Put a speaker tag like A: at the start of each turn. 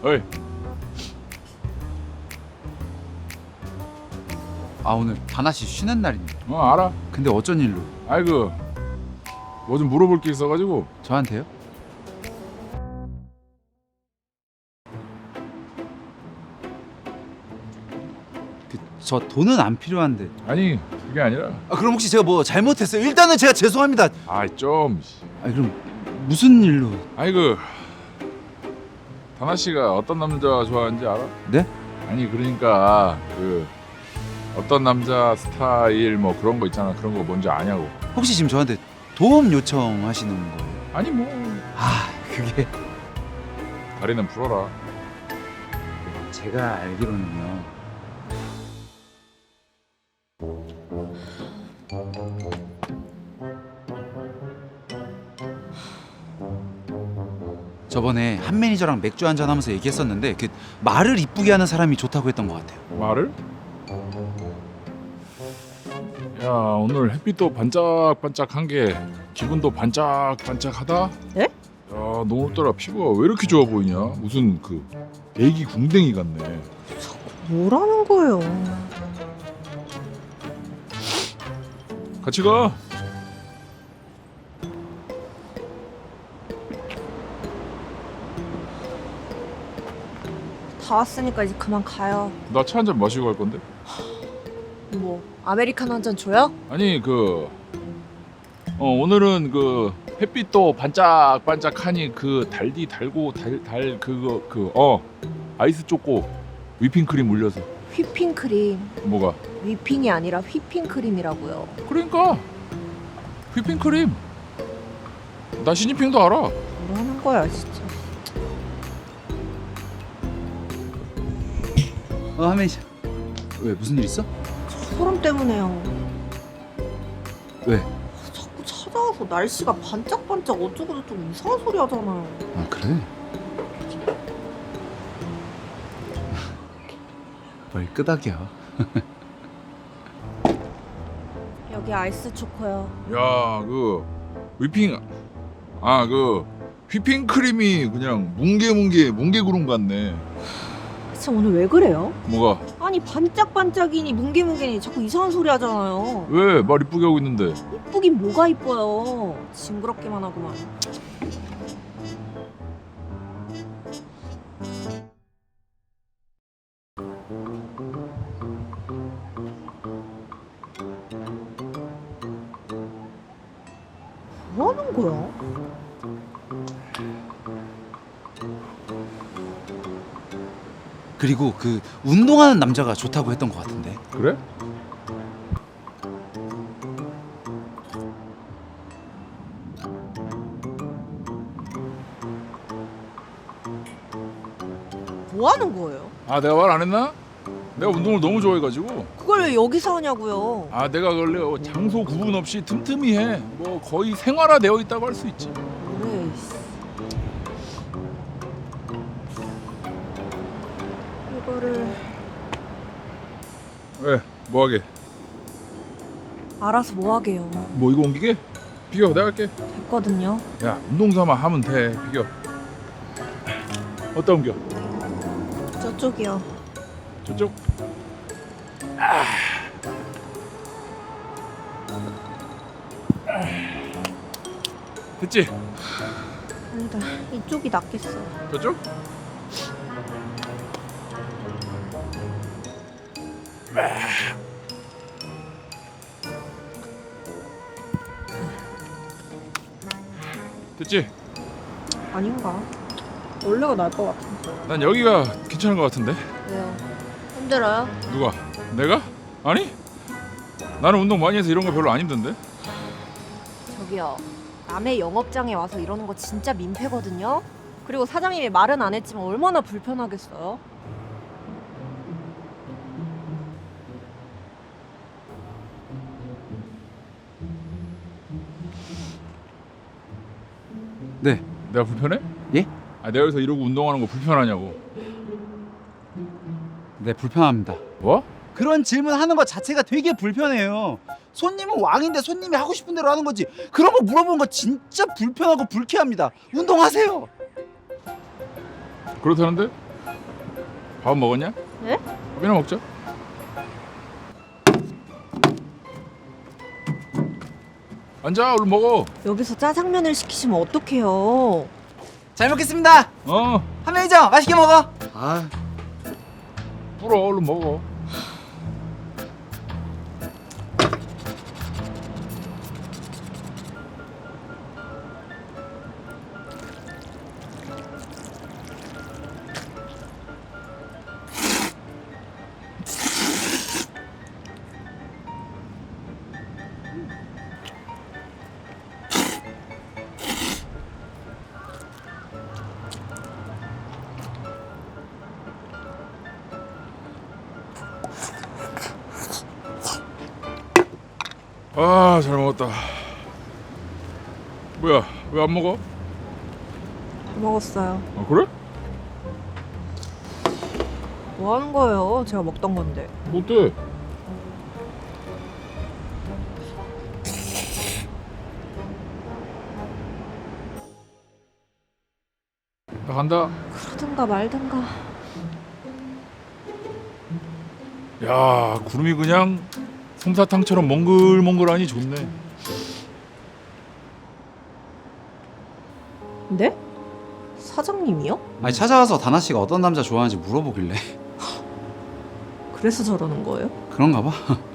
A: 어이.
B: 아 오늘 다나씨 쉬는 날인데.
A: 알아.
B: 근데 어쩐 일로?
A: 아이고 뭐 좀 물어볼 게 있어가지고.
B: 저한테요? 저 돈은 안 필요한데.
A: 아니 그게 아니라.
B: 아 그럼 혹시 제가 뭐 잘못했어요? 일단은 제가 죄송합니다.
A: 좀.
B: 아 그럼 무슨 일로?
A: 아이고 다나 씨가 어떤 남자 좋아하는지 알아?
B: 네?
A: 아니 그러니까 그 어떤 남자 스타일 뭐 그런 거 있잖아. 그런 거 뭔지 아냐고.
B: 혹시 지금 저한테 도움 요청하시는 거예요?
A: 아니 뭐
B: 아 그게
A: 다리는 풀어라.
B: 제가 알기로는요. 저번에 한 매니저랑 맥주 한잔 하면서 얘기했었는데 그 말을 이쁘게 하는 사람이 좋다고 했던 것 같아요.
A: 말을? 야 오늘 햇빛도 반짝반짝한 게 기분도 반짝반짝하다.
C: 예?
A: 야 너 오늘따라 피부가 왜 이렇게 좋아 보이냐? 무슨 그 애기 궁뎅이 같네.
C: 뭐라는 거예요?
A: 같이 가.
C: 다 왔으니까 이제 그만 가요.
A: 나 차 한 잔 마시고 갈 건데.
C: 뭐 아메리카노 한 잔 줘요?
A: 아니 그 오늘은 그 햇빛도 반짝반짝하니 그 달디 달고 달 그거 아이스 초코 위핑크림 올려서.
C: 휘핑크림.
A: 뭐가?
C: 위핑이 아니라 휘핑크림이라고요.
A: 그러니까 휘핑크림. 나 시진핑도 알아.
C: 뭐라는 거야 진짜.
B: 한 매니저. 왜 무슨 일 있어?
C: 소름 때문에요.
B: 왜?
C: 자꾸 찾아와서 날씨가 반짝반짝 어쩌고저쩌고 이상한 소리 하잖아요.
B: 아 그래? 뭘 끄덕여?
C: 여기 아이스 초코요.
A: 야 그 위핑 그 휘핑크림이 그냥 뭉게구름 같네.
C: 진짜 오늘 왜 그래요?
A: 뭐가?
C: 아니 반짝반짝이니 뭉게뭉게니 자꾸 이상한 소리 하잖아요.
A: 왜 말 이쁘게 하고 있는데?
C: 이쁘긴 뭐가 이뻐요. 징그럽기만 하구만. 뭐 하는 거야?
B: 그리고 그 운동하는 남자가 좋다고 했던 것 같은데.
A: 그래?
C: 뭐 하는 거예요?
A: 내가 말 안 했나? 내가 운동을 너무 좋아해가지고.
C: 그걸 왜 여기서 하냐고요?
A: 내가 원래 장소 구분 없이 틈틈이 해. 뭐 거의 생활화되어 있다고 할 수 있지.
C: 그래. 이거를
A: 왜? 뭐하게?
C: 알아서 뭐 하게요?
A: 뭐 이거 옮기게? 비겨 내가 할게.
C: 됐거든요.
A: 야 운동 삼아 하면 돼. 비겨. 어디다 옮겨?
C: 저쪽이요.
A: 저쪽? 됐지?
C: 아니다. 이쪽이 낫겠어.
A: 저쪽? 됐지?
C: 아닌가? 원래가 나을 것 같은데.
A: 난 여기가 괜찮은 것 같은데.
C: 왜요? 힘들어요?
A: 누가? 내가? 아니? 나는 운동 많이 해서 이런 거 별로 안 힘든데.
C: 저기요. 남의 영업장에 와서 이러는 거 진짜 민폐거든요. 그리고 사장님이 말은 안 했지만 얼마나 불편하겠어요?
B: 네.
A: 내가 불편해?
B: 예?
A: 내가 여기서 이러고 운동하는 거 불편하냐고.
B: 네 불편합니다.
A: 뭐?
B: 그런 질문 하는 것 자체가 되게 불편해요. 손님은 왕인데 손님이 하고 싶은 대로 하는 거지. 그런 거 물어보는 거 진짜 불편하고 불쾌합니다. 운동하세요.
A: 그렇다는데? 밥 먹었냐?
C: 네?
A: 밥이나 먹자. 앉아, 얼른 먹어.
C: 여기서 짜장면을 시키시면 어떡해요?
B: 잘 먹겠습니다. 한 명이죠? 맛있게 먹어. 아,
A: 불어, 얼른 먹어. 아, 잘 먹었다. 뭐야, 왜 안 먹어?
C: 먹었어요.
A: 아, 그래?
C: 뭐 하는 거예요? 제가 먹던 건데.
A: 어때? 나 간다.
C: 그러든가 말든가.
A: 야, 구름이 그냥 솜사탕처럼 몽글몽글하니 좋네.
C: 네? 사장님이요?
B: 아니 찾아와서 다나 씨가 어떤 남자 좋아하는지 물어보길래
C: 그래서 저러는 거예요?
B: 그런가 봐.